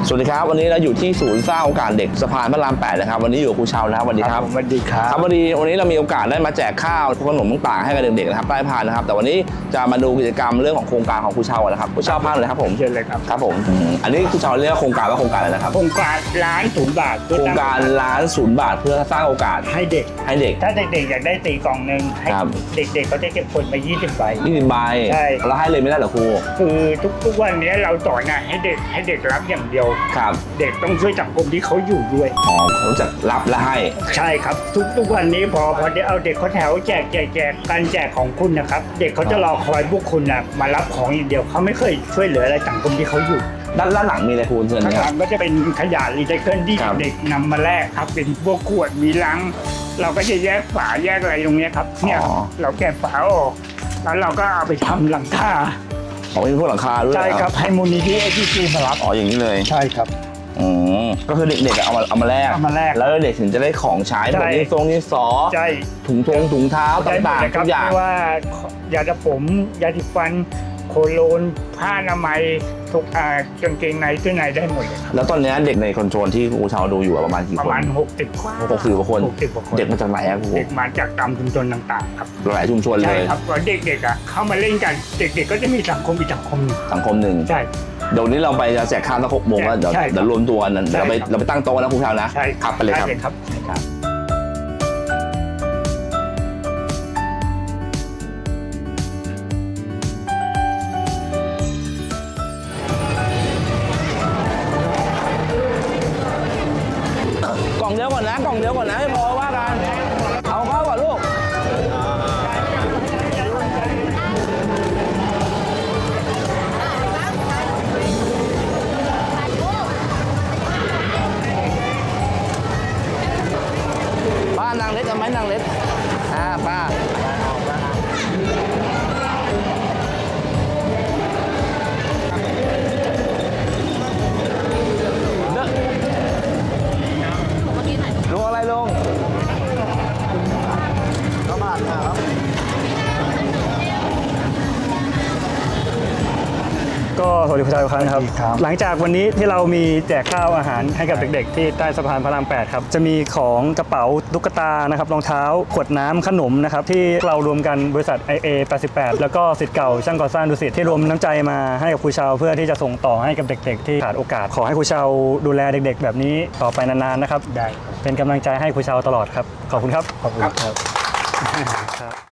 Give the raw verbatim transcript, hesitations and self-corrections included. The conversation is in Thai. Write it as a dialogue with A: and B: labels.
A: สวัสดีครับวันนี้เราอยู่ที่ศูนย์สร้างโอกาสเด็กสะพานพระรามแปดนะครับวันนี้อยู่กับครูเชานะครับสวัสดีครับ
B: สวัสดีครับ
A: ครับวันนี้วันนี้เรามีโอกาสได้มาแจกข้าวขนมต่างๆให้กับเด็กๆนะครับใต้พานนะครับแต่วันนี้จะมาดูกิจกรรมเรื่องของโครงการของครูเชานะครับครูเชาพาเลยครับผม
B: เชิญเลยครับ
A: ครับผมอันนี้ครูเชาเรียกโครงการว่าโครงการอะไรนะครับ
B: โครงการล้านศูนย์บาท
A: โครงการล้านศูนย์บาทเพื่อสร้างโอกาส
B: ให้เด็ก
A: ให้เด็ก
B: ถ้าเด็กๆอยากได้ตีกล่องหนึ่งให้เด็กๆเขาจะเก็บผลมายี่สิบใบ
A: ยี่สิบใบ
B: ใช่
A: แล้วให้เลยไม่ได้เหรอครู
B: คือทุกๆวันนี้เราสอนนะให้เด็กให้เด็กรับอย่างเดียว
A: ครับ
B: เด็กต้องช่วยสังคมที่เขาอยู่ด้วย
A: อ๋อเขาจะรับและให้
B: ใช่ครับทุกๆวันนี้พอพอได้เอาเด็กเขาแถวแจกแจกแจกการแจกของคุณนะครับเด็กเขาจะรอคอยพวกคุณนะมารับของอย่างเดียวเขาไม่เคยช่วยเหลืออะไรสังคมที่เขาอยู่
A: ด้านด้านหลังมีอะไรครูเชิญ
B: ข้างหลังก็จะเป็นขยะรีไซเคิลที่เด็กนำมาแลกครับเป็นพวกขวดมีลังเราก็จะแยกฝาแยกอะไรตรงนี้ครับเนี่ยเราแกะฝาออกแล้วเราก็เอาไปทำหลังคา
A: อ๋อเป็นพวกหลังคาด้วย
B: ใช่ครับให้มูลนิธิเอทีซีมารับ
A: อ๋ออย่างนี้เลย
B: ใช่ครับ
A: อืมก็คือเด็กๆเอามาเอามาแลก
B: เอามาแลก
A: แล้วเด็กถึงจะได้ของใช้แบบนี้ทรงนี้ซอ
B: ใช่
A: ถุงทงถุงเท้าต่างๆทุกอย่าง
B: ไม่ว่ายาดผมยาสีฟันโคโลนผ้าอนามัยทุกอ่ากางเกงในเสื้อในได้หมดเลย
A: แล้วตอนนี้เด็กในคอนโทรลที่ครูเชาดูอยู่ประมาณกี่คน
B: ประมาณหกสิบคน
A: หกสิบกว่าคนเด็กมาจากไหนครับครู
B: เด็กมาจากตามชุมชนต่างๆครับ
A: หลายชุมชนเลย
B: ใช่ครับพอเด็กๆอ่ะเข้ามาเล่นกันเด็กๆก็จะมีสังคมอีกสังคม
A: สังคมหนึ่ง
B: ใช่
A: เดี๋ยวนี้เราไปจะแจกข้าวสักหกโมงแล้วเดี๋ยวเดี๋ยวรวมตัวกันเราไปเราไปตั้งโต๊ะนะครูเชานะ
B: ใช่
A: ครับไปเลยครับ
B: ครับ
A: กล่องเดียวก่อนนะกล่องเดียวก่อนนะไม่พอว่ากันเอาเข้าก่อนลูกป้านางเล็กเอาไหมนางเล็กอ่าป้าลุงอะไรลุงข้าวบาทครับ
C: ก็สวัสดีคุณชายทุกท่านครับหลังจากวันนี้ที่เรามีแจกข้าวอาหารให้กับเด็กๆที่ใต้สะพานพระรามแปดครับจะมีของกระเป๋าตุ๊กตานะครับรองเท้าขวดน้ำขนมนะครับที่เรารวมกันบริษัท ไอ เอ แปดสิบแปดแล้วก็ศิษย์เก่าช่างก่อสร้างดุสิตที่รวมน้ำใจมาให้กับครูเชาเพื่อที่จะส่งต่อให้กับเด็กๆที่ขาดโอกาสขอให้ครูเชาดูแลเด็กๆแบบนี้ต่อไปนานๆนะครับได้เป็นกำลังใจให้ครูเชาตลอดครับขอบคุณครับ
B: ขอบคุณครับ